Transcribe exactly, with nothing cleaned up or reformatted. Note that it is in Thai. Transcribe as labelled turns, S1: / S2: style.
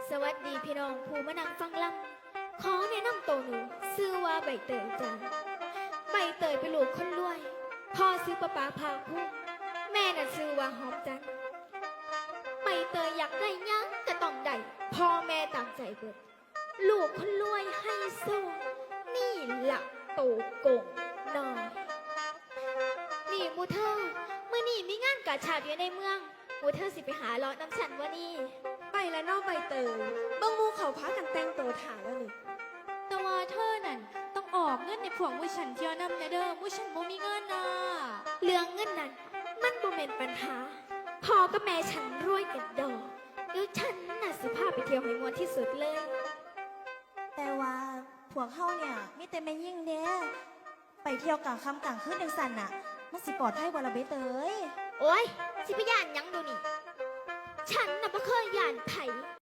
S1: สวัสดีพี่น้องผู้มานั่งฟังลำขอแนะนำตัวหนูชื่อว่าใบเตยจ้าใบเตยเป็นลูกคนรวยพ่อซื้อประปาพาผู้แม่น่ะชื่อว่าหอมจันทร์ใบเตยอยากได้หยังก็ต้องได้พ่อแม่ตามใจเบิดลูกคนรวยให้โซ่นี่หลักโตโกงน้อยนี่มูเธอเมื่อนี่มีงานกาชาดอยู่ในเมืองมูเธอสิไปหาเลาะน้ำฉันวะนี่
S2: ไปแล้วนอกใบเตยบางมูเขาพากันแต่งตัวถ่ายแล้วนี่
S3: แต่ว่าเธอนั่นต้องออกเงินในพวกมุฉันเที่ยวนำนะเด้อมุฉันบ่มีเงินนะ
S1: เรื่องเงินนั้นมันบ่เป็นปัญหาพ่อกับแม่ฉันรวยกันดอกเดี๋ยวฉันน่ะสิพาไปเที่ยวให้มวนที่สุดเลย
S4: แต่ว่าพวกเขาเนี่ยมีแต่แม่ยิ่งเด้ไปเที่ยวกลางค่ำกลางคืนจังสันน่ะมันสิปลอดภัยกว่าละเบเตย
S1: โอ้ยสิพยานยังดูนี่ฉันน่ะบ่เคยย่านไผ